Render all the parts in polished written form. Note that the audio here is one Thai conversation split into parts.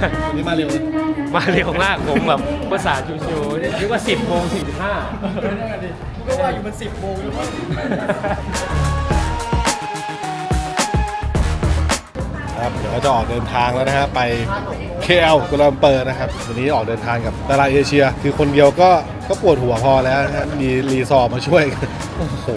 นี่มาเร็วมาเร็วมากผมแบบภาษาชิวๆนึกว่า 10:45 ก็ว่าอยู่มัน10 โมงหรือเปล่าครับเดี๋ยวเราจะออกเดินทางแล้วนะฮะไป KL กัวลาลัมเปอร์นะครับวันนี้ออกเดินทางกับดาราเอเชียคือคนเดียวก็ปวดหัวพอแล้วนะฮะมีรีซอร์มาช่วยโอ้โห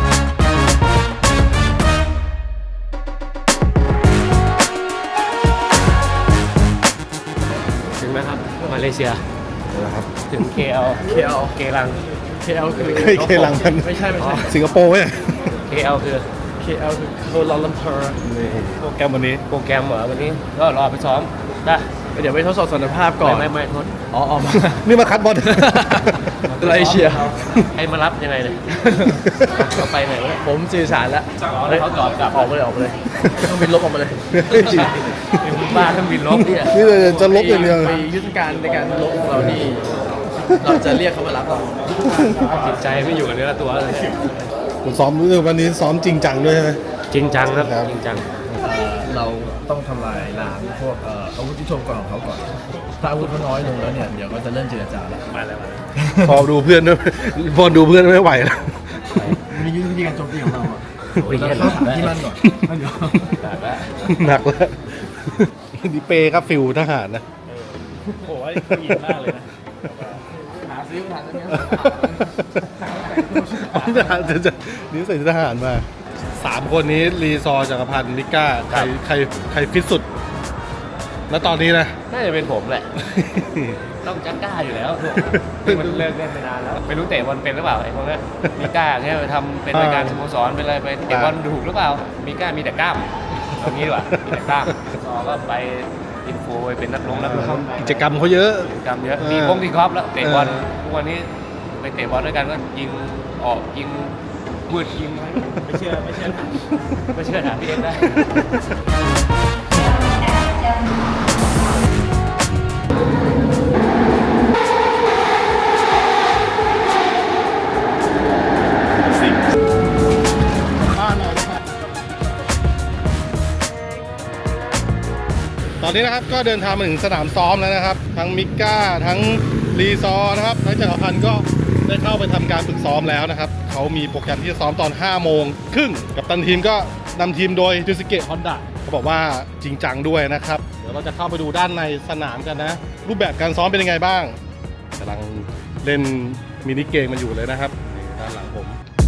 ถึงไหมครับมาเลเซียนะครับถึง KL เกลัง KL คือเคลังกันไม่ใช่สิงคโปร์เนี่ย KL คือ KL คือกัวลาลัมเปอร์โปรแกรมวันนี้โปรแกรมเหรอวันนี้ก็รอไปซ้อมได้เดี๋ยวไปทดสอบสมรรถภาพก่อนไม่ทดอ๋อมานี่มาคัดบอลตัวเอเชียให้มารับยังไงเนี่ยเขาไปไหนวะผมสื่อสารแล้วแล้วเขาตอบกลับออกมาเลยต้องบินลบออกมาเลยบ้าต้องบินลบเนี่ยนี่เลยจะลบอย่างเดียวไปยุทธการในการลบของเรานี่เราจะเรียกเขามารับเราจิตใจไม่อยู่กับเนื้อตัวเลยคุณซ้อมวันนี้ซ้อมจริงจังด้วยใช่ไหมจริงจังครับครับจริงจังเราต้องทำลายล้างพวกอาวุธที่ชมก่อนของเขาก่อนถ้าอาวุธเขาน้อยลงแล้วเนี่ยเดี๋ยวก็จะเริ่มเจรจาแล้วมาแล้วพอดูเพื่อนด้วยพอดูเพื่อนไม่ไหวแล้วมียุทธวิธีการโจมตีของเราอ่ะโอ้ยเราเย็นเข้าหาที่มั่นก่อนแล้วเดี๋ยวหนักแล้วดิเปครับฟิลทหารนะโอ้ยผู้หญิงมากเลยนะหาซื้อทหารตัวนี้ทหารจะนี่ใส่ทหารมา3 คนนี้รีซอร์จักรพันธ์นิก้าใครฟิตสุด แล้วตอนนี้นะน่าจะเป็นผมแหละ ต้องจักก้าอยู่แล้วมันเลิกเล่นไปนานแล้วไม่รู้เตะบอลเป็นหรือเปล่าไอ้พวกนี้มีก้าเนี่ยไปทำเป็นรายการสโมสรเป็นอะไรไปเตะบอลถูกหรือเปล่ามีก้ามีแต่กล้ามเอางี้ดีกว่ามีแต่กล้ามก็ไปอินโฟไปเป็นนักร้องกิจกรรมเขาเยอะกิจกรรมเยอะมีพงที่ครอบแล้วเตะบอลทุกวันนี้ไปเตะบอลด้วยกันก็ยิงออกยิงมืดยิงไม่เชื่อถามพี่เอ็กได้ตอนนี้นะครับก็เดินทางมาถึงสนามซ้อมแล้วนะครับทั้งมิก้าทั้งรีซอร์นะครับทั้งจักรพันธ์ก็ได้เข้าไปทำการฝึกซ้อมแล้วนะครับเขามีโปรแกรมที่จะซ้อมตอน 5:30 กับตันทีมก็นำทีมโดยจูสเกะฮอนดะเขาบอกว่าจริงจังด้วยนะครับเดี๋ยวเราจะเข้าไปดูด้านในสนามกันนะรูปแบบการซ้อมเป็นยังไงบ้างกำลังเล่นมินิเกมมันอยู่เลยนะครับด้านหลังผม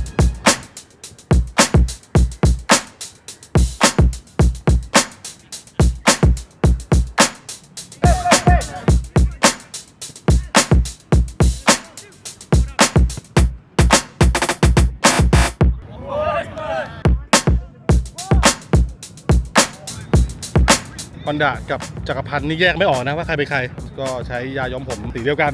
ฮอนดะกับจักรพันธ์นี่แยกไม่ออกนะว่าใครเป็นใครก็ใช้ยาย้อมผมสีเดียวกัน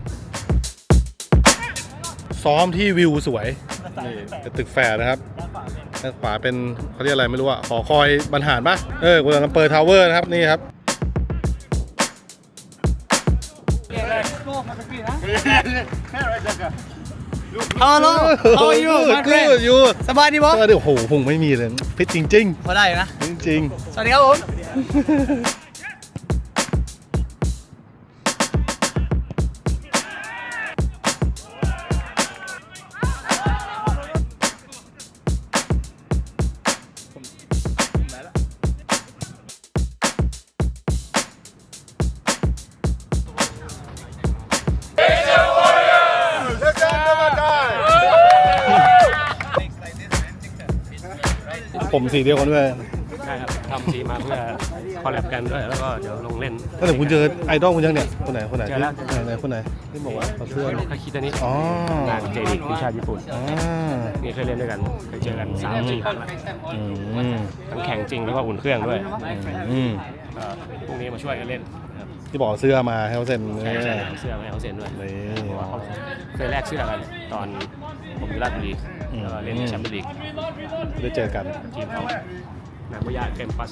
ซ้อมที่วิวสวยนี่เป็นตึกแฝดนะครับด้านขวาเป็นเขาเรียกอะไรไม่รู้อะหอคอยบรรหารปะกัวลาลัมเปอร์ทาวเวอร์นะครับนี่ครับฮัลโหล How are you my friend อยู่สบายดีบ่โอ้โหพุงไม่มีเลยพิษจริงพอได้นะๆจริงสวัสดีครับผมผมสีเดียวกันด้วยใช่ครับทำทีมาเพื่อคอลแลบกันด้วยแล้วก็เดี๋ยวลงเล่นตั้งแต่คุณเจอไอดอลคุณยังเนี่ยคนไหนเจอแล้วคนไหนที่บอกว่าเขาเสื้อคาคิตานิอ๋องานเจลิกทีมชาติญี่ปุ่นอ่านี่เคยเล่นด้วยกันเคยเจอกัน3-4 ครั้งแล้วอืมทั้งแข่งจริงแล้วก็อุ่นเครื่องด้วยอืมพรุ่งนี้มาช่วยกันเล่นที่บอกเสื้อมาให้เขาเซ็นใช่เอาเสื้อมาให้เขาเซ็นด้วยนี่เพราะว่าเขาเคยแลกเสื้อกันตอนผมอยู่ราชบุรีแล้วก็เล่นในแชมเปี้ยนลีกได้เจอกันทีมเขานามายาเกมปัส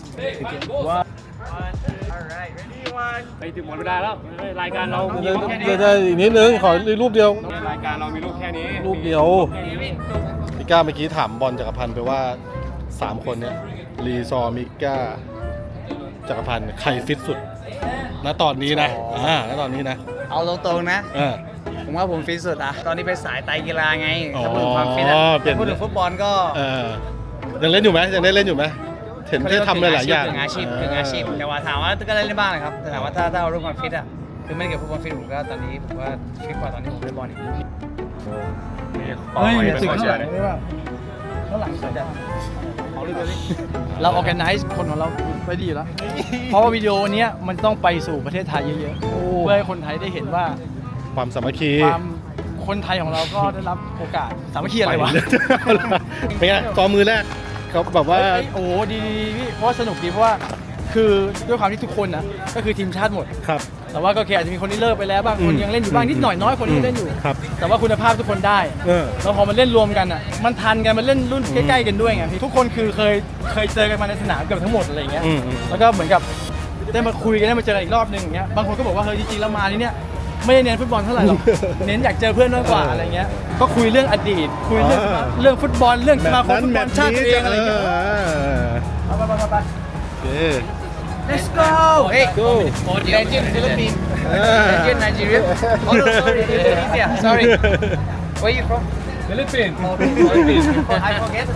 ไปถึงหมดเวลาแล้วรายการเรามีรูปแค่นี้ได้อีกนิดนึงขอรูปเดียวรายการเรามีรูปแค่นี้รูปเดียวพี่ก้าเมื่อกี้ถามบอลจักรพันธ์ไปว่า3 คนเนี้ยรีซอร์มิก้าจักรพันธ์ใครฟิตสุดณณตอนนี้นะณตอนนี้นะเอาตรงๆนะเออผมว่าผมฟิตสุดอะตอนนี้เป็นสายไตรกีฬาไงอ๋อถ้าพูดถึงความฟิตอะเปลี่ยนถ้าพูดถึงฟุตบอลก็เออยังเล่นอยู่ไหมยังได้เล่นอยู่ไหมเห็นได้ทำหลายๆอย่างกึ่งอาชีพแต่ว่าถามว่าก็เล่นได้บ้างนะครับแต่ถามว่าถ้าเอาเรื่องความฟิตอะคือไม่ได้เกี่ยวกับฟุตบอลฟิตผมก็ตอนนี้ผมว่าฟิตกว่าตอนที่ผมเล่นบอลอีกเฮ้ยเป็นคนเชียร์ข้างหลังสุดอะเราออแกไนซ์คนของเราไว้ดีอยู่แล้ว เพราะว่าวิดีโอเนี้ยมันต้องไปสู่ประเทศไทยเยอะๆเพื่อให้คนไทยได้เห็นว่าความสามัคคีความคนไทยของเราก็ได้รับโอกาสสามัคคีอะไรวะเป็นไงซ้อมมือแรกเขาแบบว่าเอ้ยโอ้โหดีพี่เพราะว่าสนุกดีเพราะว่าคือด้วยความที่ทุกคนนะก็คือทีมชาติหมดครับแต่ว่าก็อาจจะมีคนที่เลิกไปแล้วบ้างคนยังเล่นอยู่บ้างนิดหน่อยน้อยคนที่เล่นอยู่ครับแต่ว่าคุณภาพทุกคนได้ แล้วพอมันเล่นรวมกันอ่ะมันทันกันมันเล่นรุ่นใกล้ๆกันด้วยไงพี่ทุกคนคือเคยเจอกันมาในสนามเกือบทั้งหมดอะไรอย่างเงี้ย แล้วก็เหมือนกับได้มาคุยกันได้มาเจอกันอีกรอบนึงอย่างเงี้ยบางคนก็บอกว่าเฮ้ยจริงๆแล้วมาที่เนี้ยไม่ได้เน้นฟุตบอลเท่าไหร่หรอก เน้นอยากเจอเพื่อนมากกว่าอะไรเงี้ยก็คุยเรื่องอดีตคุยเรื่องฟุตบอลเรื่องสมาคมฟุตบอลชาติตัวเองอะไรเงี้ยไปโอเค Let's go Hey go Legend Philippines Legend Nigeria Oh no sorry Indonesia sorry Where you from Philippines I forget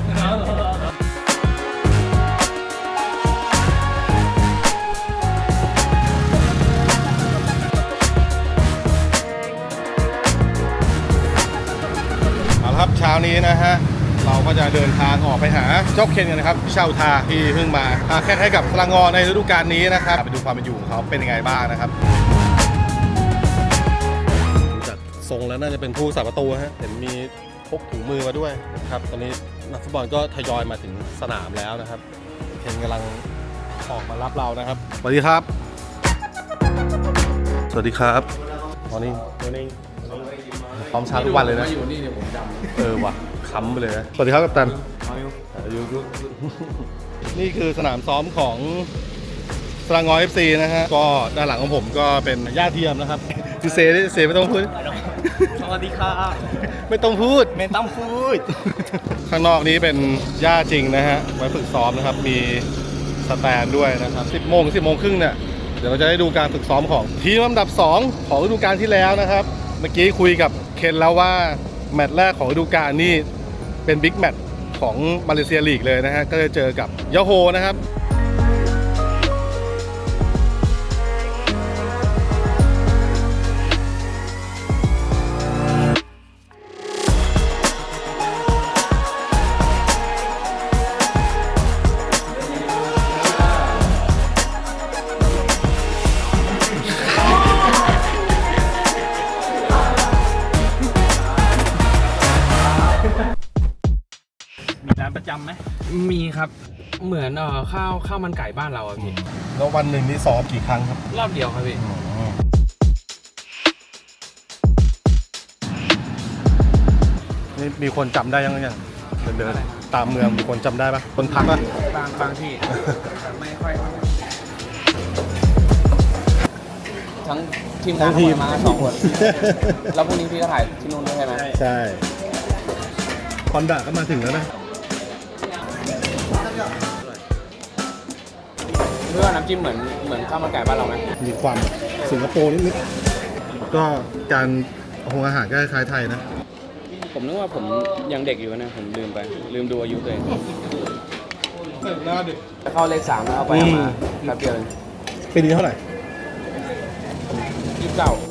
เอาละครับเช้านี้นะฮะเราก็จะเดินทางออกไปหาเจ้าเคนกันนะครับเช่าทาที่เพิ่งมาแข่งกับพลังงอในฤดูกาลนี้นะครับไปดูความเป็นอยู่ของเขาเป็นยังไงบ้างนะครับจากทรงแล้วน่าจะเป็นผู้สาประตูฮะเห็นมีพกถุงมือมาด้วยนะครับตอนนี้นักฟุตบอลก็ทยอยมาถึงสนามแล้วนะครับเคนกำลังออกมารับเรานะครับสวัสดีครับสวัสดีครับมอร์นิ่งพร้อมเช้าทุกวันเลยนะอยู่นี่เนี่ยผมจำว่ะค้ำไปเลยนะสวัสดีครับกัปตันนี่คือสนามซ้อมของสระงอ FC นะฮะก็ด้านหลังของผมก็เป็นย่าเทียมนะครับคือเซไม่ต้องพูดสวัสดีครับไม่ต้องพูดไม่ต้องพูดข้างนอกนี้เป็นหญ้าจริงนะฮะไว้ฝึกซ้อมนะครับมีสแตนด้วยนะครับ 10 โมงครึ่งเนี่ยเดี๋ยวเราจะได้ดูการฝึกซ้อมของทีมลำดับ 2 ของฤดูกาลที่แล้วนะครับเมื่อกี้คุยกับเคนแล้วว่าแมตช์แรกของฤดูกาลนี่เป็นบิ๊กแมตช์ของมาเลเซียลีกเลยนะฮะก็จะเจอกับยาโฮนะครับมีร้านประจำไหมมีครับ เหมือนข้าวมันไก่บ้านเราอะพี่แล้ววันหนึ่งนี่ซ้อมกี่ครั้งครับรอบเดียวครับพี่นี่มีคนจำได้ยังเดินตามเมืองมีคนจำได้ปะคนพักปะบางที่ไม่ค่อยทั้งทีมงานมา2 คน แล้วพรุ่งนี้พี่ก็ถ่ายที่นู่นด้วยใช่ไหมใช่คอนดาก็มาถึงแล้วนะเพื่อน้ำจิ้มเหมือนข้าวมันไก่บ้านเราไหมมีความสิงคโปร์นิดๆก็การโรงอาหารก็คล้ายไทยนะผมนึกว่าผมยังเด็กอยู่นะผมลืมดูอายุตัวเองเข้าเลข 3แล้วเอาไปเอามาแป๊บเดียวเองปีนี้เท่าไหร่ 29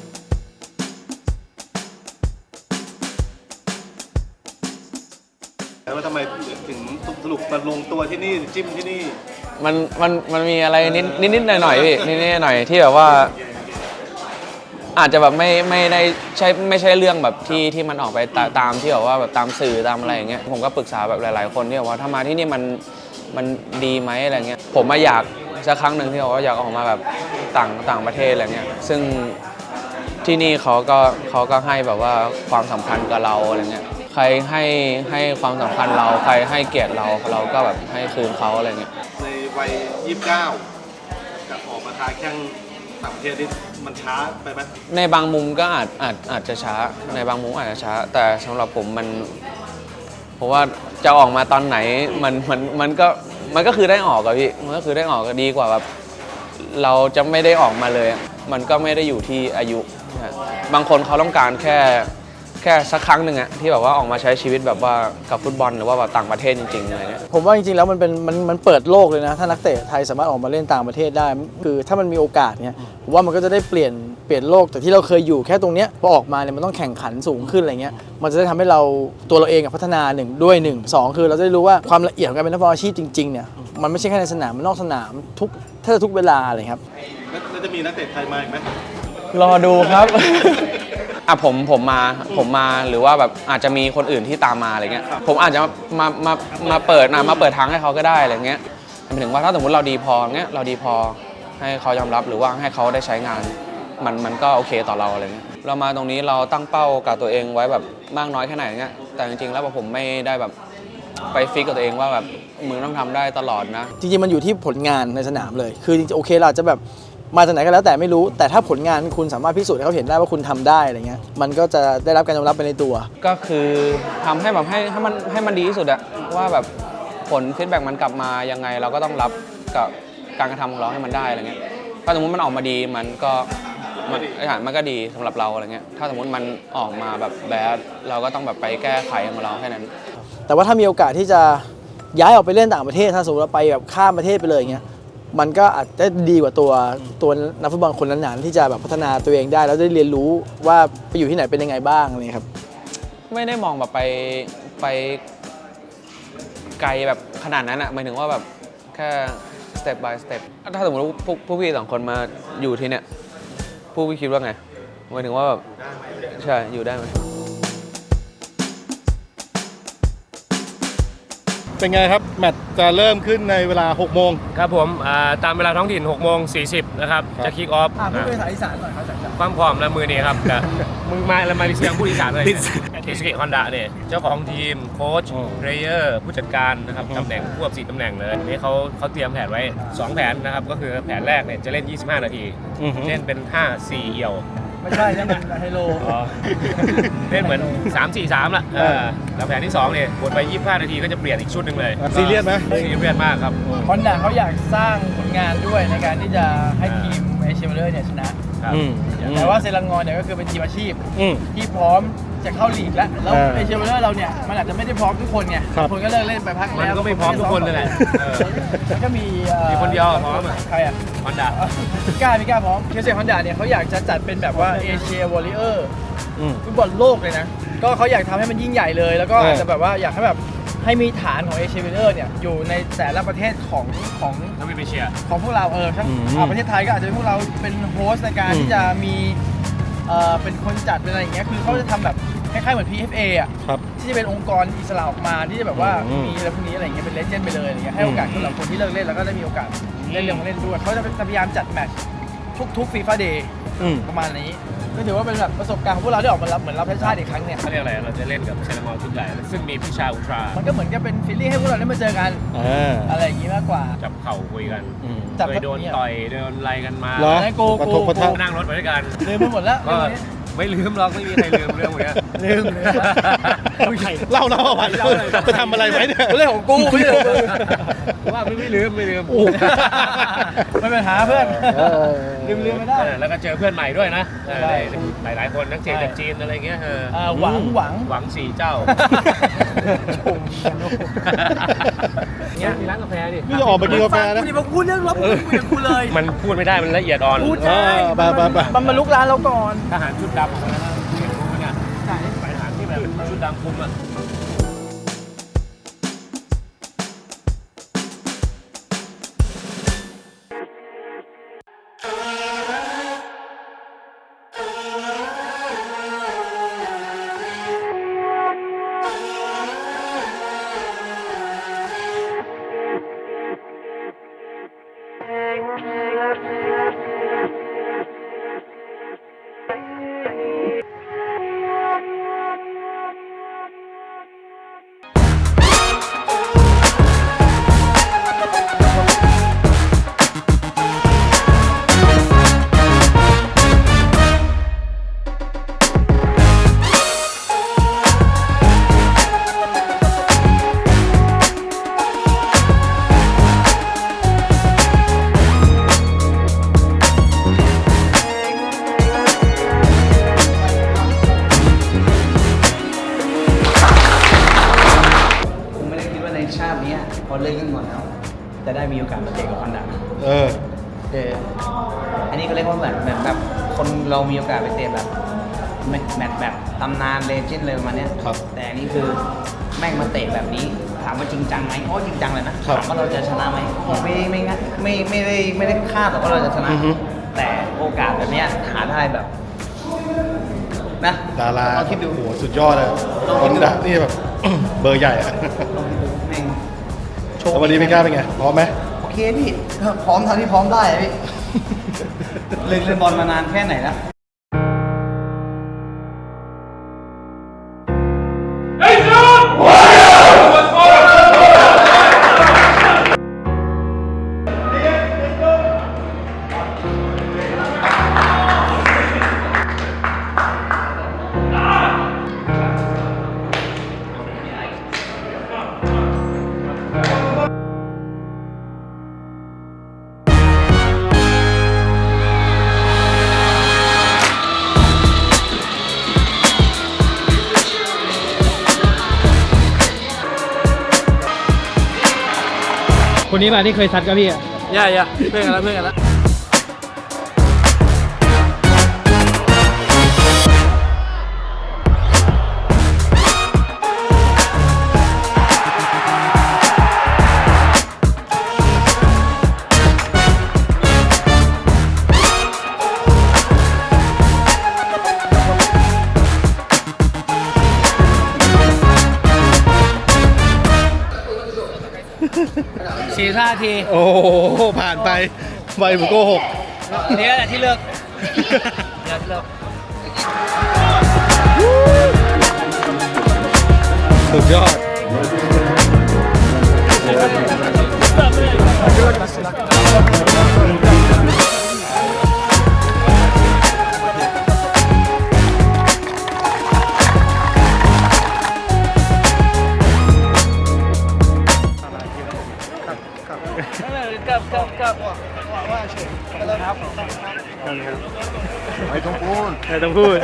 แล้วว่าทำไมถึงสรุปมาลงตัวที่นี่จิ้มที่นี่มันมีอะไรนิดหน่อยพี่นิดหน่อยที่แบบว่า อาจจะแบบไม่ได้ไม่ใช่เรื่องแบบที่มันออกไปตามที่แบบว่าแบบตามสื่อตามอะไรอย่างเงี้ยผมก็ปรึกษาแบบหลายๆคนที่บอกว่าถ้ามาที่นี่มันดีไหมอะไรเงี้ยผมมาอยากสักครั้งหนึ่งที่บอกว่าอยากออกมาแบบต่างประเทศอะไรเงี้ยซึ่งที่นี่เขาก็ให้แบบว่าความสำคัญกับเราอะไรเงี้ยใครให้ความสำคัญเราใครให้เกียรติเราก็แบบให้คืนเขาอะไรเงี้ยในวัย 29กับออกมาค้าแข่งต่างประเทศนี่มันช้าไปไหมในบางมุมก็อาจจะช้าในบางมุมอาจจะช้า แต่สำหรับผมเพราะว่าจะออกมาตอนไหนมันก็คือได้ออกอะพี่มันก็คือได้ออกก็ดีกว่าแบบเราจะไม่ได้ออกมาเลย มันก็ไม่ได้อยู่ที่อายุนะบางคนเขาต้องการแค่สักครั้งหนึ่งอะที่แบบว่าออกมาใช้ชีวิตแบบว่ากับฟุตบอลหรือว่าแบบต่างประเทศจริงๆอะไรเงี้ยผมว่าจริงๆแล้วมันเปิดโลกเลยนะถ้านักเตะไทยสามารถออกมาเล่นต่างประเทศได้คือถ้ามันมีโอกาสเนี่ยผมว่ามันก็จะได้เปลี่ยนโลกแต่ที่เราเคยอยู่แค่ตรงเนี้ยพอออกมาเนี่ยมันต้องแข่งขันสูงขึ้นอะไรเงี้ยมันจะได้ทำให้เราตัวเราเองพัฒนา1 คือเราจะได้รู้ว่าความละเอียดของการเป็นนักฟุตบอลอาชีพจริงๆเนี่ยมันไม่ใช่แค่ในสนามมันนอกสนามทุกเวลาเลยครับแล้วจะมีนักเตะไทยมาอีกไหมรอดูครับ อ่ะผมมาหรือว่าแบบอาจจะมีคนอื่นที่ตามมาอะไรเงี้ยผมอาจจะมาเปิดทางให้เขาก็ได้อะไรเงี้ยหมายถึงว่าถ้าสมมติเราดีพอเงี้ยเราดีพอให้เขายอมรับหรือว่าให้เขาได้ใช้งานมันก็โอเคต่อเราอะไรเงี้ยเรามาตรงนี้เราตั้งเป้ากับตัวเองไว้แบบมากน้อยแค่ไหนเงี้ยแต่จริงๆแล้วผมไม่ได้แบบไปฟิกกับตัวเองว่าแบบมึงต้องทำได้ตลอดนะจริงๆมันอยู่ที่ผลงานในสนามเลยคือจริงๆโอเคเราอาจจะแบบมาจากไหนก็แล้วแต่ไม่รู้แต่ถ้าผลงานคุณสามารถพิสูจน์ให้เขาเห็นได้ว่าคุณทำได้อะไรเงี้ยมันก็จะได้รับการยอมรับไปในตัวก็คือทำให้แบบให้มันดีที่สุดอะว่าแบบผลฟีดแบ็กมันกลับมายังไงเราก็ต้องรับกับการกระทำของเราให้มันได้อะไรเงี้ยถ้าสมมติมันออกมาดีมันก็ดีสำหรับเราอะไรเงี้ยถ้าสมมติมันออกมาแบบแบดเราก็ต้องแบบไปแก้ไขของเราแค่นั้นแต่ว่าถ้ามีโอกาสที่จะย้ายออกไปเล่นต่างประเทศถ้าสมมติเราไปแบบข้ามประเทศไปเลยอย่างเงี้ยมันก็อาจจะดีกว่าตัวนักฟุตบอลคนนั้นๆที่จะแบบพัฒนาตัวเองได้แล้วได้เรียนรู้ว่าไปอยู่ที่ไหนเป็นยังไงบ้างอะไรครับไม่ได้มองแบบไปไกลแบบขนาดนั้นอะหมายถึงว่าแบบแค่ step by step ถ้าสมมติพวกพี่2 คนมาอยู่ที่เนี่ยพวกพี่คิดว่าไงหมายถึงว่าแบบใช่อยู่ได้ไหมเป็นไงครับแมตช์จะเริ่มขึ้นในเวลา 6 โมงครับผมตามเวลาท้องถิ่น6 โมง 40 นะครับ จะคิกออฟพูดเป็นภาษาอีสานหน่อยครับจากความพร้อมและมือนี้ครับแต่มึงมาแล้วมาเสียงผู้อีสานเลยเทสเกตฮอนดาเนี่ยเจ้าของทีมโค้ชเรเยอร์ผู้จัดการนะครับตำแหน่งควบ4ตำแหน่งเลยนี่เขาเตรียมแผนไว้ 2 แผนนะครับ ก็คือแผนแรกเนี่ยจะเล่น 25 นาที เล่นเป็น 5-4 เอี่ยวไม่ใช่นั่นมันไฮโลเล่นเหมือน 3-4-3 ละแล้วแผนที่ 2 เนี่ยบทไป 25 นาทีก็จะเปลี่ยนอีกชุดหนึ่งเลยซีเรียสไหมซีเรียสมากครับฮอนด้าเขาอยากสร้างผลงานด้วยในการที่จะให้ทีมเอเชียเบเลอร์เนี่ยชนะครับแต่ว่าเซรังงอนเนี่ยก็คือเป็นทีมอาชีพอืมที่พร้อมจะเข้าลีกแล้วเอเชียเบเลอร์เราเนี่ยมันอาจจะไม่ได้พร้อมทุกคนไงครับคนก็เลิกเล่นไปพักมันแล้วก็ไม่พร้อมทุกคนเลยแหละแล้วก็มีมีคนเดียวพร้อมอะใครอ่ะฮอนดามิก้าพร้อมเคเซฮอนด้าเนี่ยเขาอยากจะจัดเป็นแบบว่าเอเชียวอริเออร์อืมฟุตบอลโลกเลยนะก็เขาอยากทำให้มันยิ่งใหญ่เลย แล้วก็อาจจะแบบว่าอยากให้แบบให้มีฐานของเอเชียเบเลอร์เนี่ยอยู่ในแต่ละประเทศของน้ำมิเชียของพวกเราทั้งประเทศไทยก็อาจจะเป็นพวกเราเป็นโฮสต์ในการที่จะมีเป็นคนจัดเป็นอะไรอย่างเงี้ยคือเขาจะทำแบบคล้ายๆเหมือน PFA อ่ะครับที่จะเป็นองค์กรอิสระออกมาที่จะแบบว่าอืมมีอะไรพวกนี้อะไรอย่างเงี้ยเป็นเลเจนด์ไปเลยอะไรเงี้ยให้โอกาสสำหรับคนที่เลิกเล่นแล้วก็ได้มีโอกาสเล่นด้วยเขาจะพยายามจัดแมตช์ทุกฟีฟ่าเดย์อืมประมาณนี้ก็ถือว่าเป็นแบบประสบการณ์ของพวกเราที่ออกมารับเหมือนรับใช้ชาติอีกครั้งเนี่ยเขาเรียกอะไร เราจะเล่นกับเซนามอลชุดใหญ่ซึ่งมีพิชาอุลตรามันก็เหมือนกับเป็นฟีลลิ่งให้พวกเราได้มาเจอกัน อะไรอย่างงี้มากกว่าจับเข่าคุยกันอืมจับเคยโดนต่อยโดนไล่กันมาเหรอกูกระทบกระทั่งนั่งรถไปด้วยกันลืมไปหมดแล้วก็ไม่ลืมหรอกไม่มีใครลืมเรื่องพวกเนี้ยลืมเล่าเอาไปไปทำอะไรไว้เนี่ยเรื่องของกูไม่ใช่ของมึงว่าไม่ลืมไม่เป็นปัญหาเพื่อนลืมไม่ได้แล้วก็เจอเพื่อนใหม่ด้วยนะใช่หลายคนนักเตะจากจีนอะไรเงี้ยหวังหวัง4 เจ้าเนี่ยมีร้านกาแฟดินี่จะออกไปกินกาแฟนะกูจะมาพูดเรื่องรบกูคุยกับกูเลยมันพูดไม่ได้มันละเอียดอ่อนพูดได้ไปมันมาลุกร้านเราก่อนทหารชุดดำออกมาแล้วนะเห็นรู้ไหมเนี่ยทหารที่แบบชุดดำคุมอ่ะจะได้มีโอกาสมาเตะกับฮอนด้า อันนี้ก็เรียกว่าเหมือนแบบคนเรามีโอกาสไปเตะแบบแมตช์แบบตำนานเลเจนด์เลยประมาณเนี้ยครับแต่อันนี้คือแม่งมาเตะแบบนี้ถามว่าจริงจังไหมจริงจังเลยนะครับ ถามว่าเราจะชนะไหมไม่ได้คาดหรอกว่าเราจะชนะอือฮึแต่โอกาสแบบเนี้ยหาได้แบบนะดาราลองคิดดูโอ้โหสุดยอดเลยลองคคินดดูดังนี่แบบ เบอร์ใหญ่อะแม่งแล้ววันนี้พี่ก้าเป็นไงพร้อมไหมโอเคพี่พร้อมเท่าที่พร้อมได้อะพี่เล่นบอลมานานแค่ไหนแล้วคนนี้มาที่เคยซัดกับพี่อ่ะย่าเพื่อนกันแล้ว 45 นาทีโอ้โหผ่านไปไวบุโกหกอันนี้แหละที่เลิกเนี่ยที่เลิกสุดยอดกับไม่ต้องพูด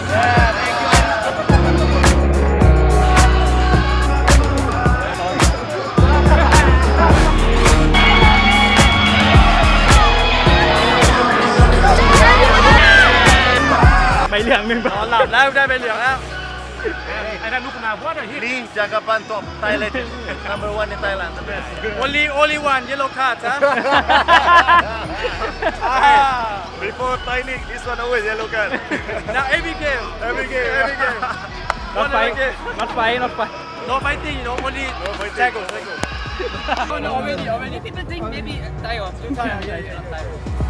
ไปเหลืองหนึ่งนอนหลับแล้วได้ไปเหลืองแล้วไอ้นั่นลูกนาวัดอะฮิ Lee Jagaban top Thailand number 1 in Thailand the best only one yellow card ฮะ before Thai League this one always yellow card now every game not fight no fighting you know only tackle already people think maybe Thai or